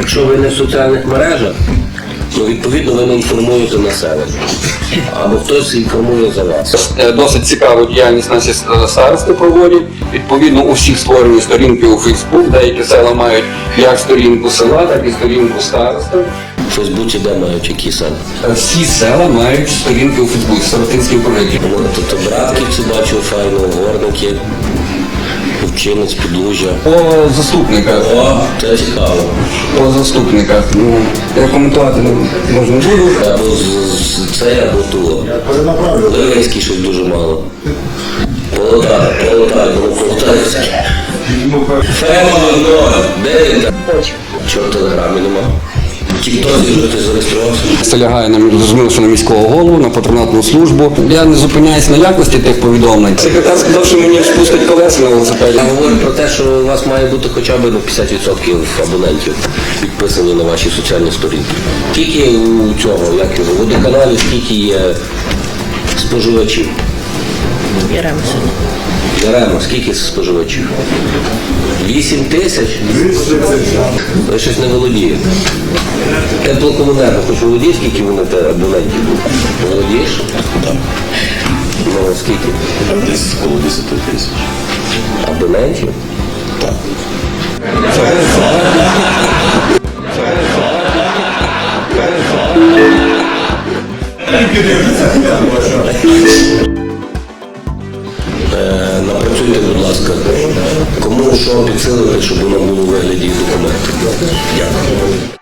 Якщо ви не в соціальних мережах, то відповідно ви не інформуєте населення. Або хтось інформує за вас. Досить цікаву діяльність наші старости проводять. Відповідно, у всіх створені сторінки у Фейсбук. Деякі села мають як сторінку села, так і сторінку старости. В Фейсбуці де мають які села? Всі села мають сторінки у Фейсбуці, Сиротинський проєкт. Тобто Братківці бачу, файно, Горники, Вчинець, Підлужжя. По заступниках. О, це цікаво. По заступниках. Ну, я коментувати не буду. Або це, або туло. Ливерський щось дуже мало. Полотар, Полотарський. Фемон, де він там? Чого в Телеграмі нема? Тіктозі вже ти зареєструвався? Це лягає зрозуміло, що на міського голову, на патронатну службу. Я не зупиняюсь на якості тих повідомлень. Секретар сказав, що мені спустить колеса на велосипеді. Я говорю про те, що у вас має бути хоча б 50% абонентів підписані на ваші соціальні сторінки. Скільки у цього, як його, в водоканалі, скільки є споживачів? Яремо, скільки споживачів? 8 тисяч? Ви щось не володієте. Теплокомунерго, хоч володієш, скільки вони абонентів? Володієш? Так. Ну, скільки? Десь коло 10 тисяч. Абонентів? Так. Напрацюйте, будь ласка, кому що підсилити, щоб воно було у вигляді документів. Дякую.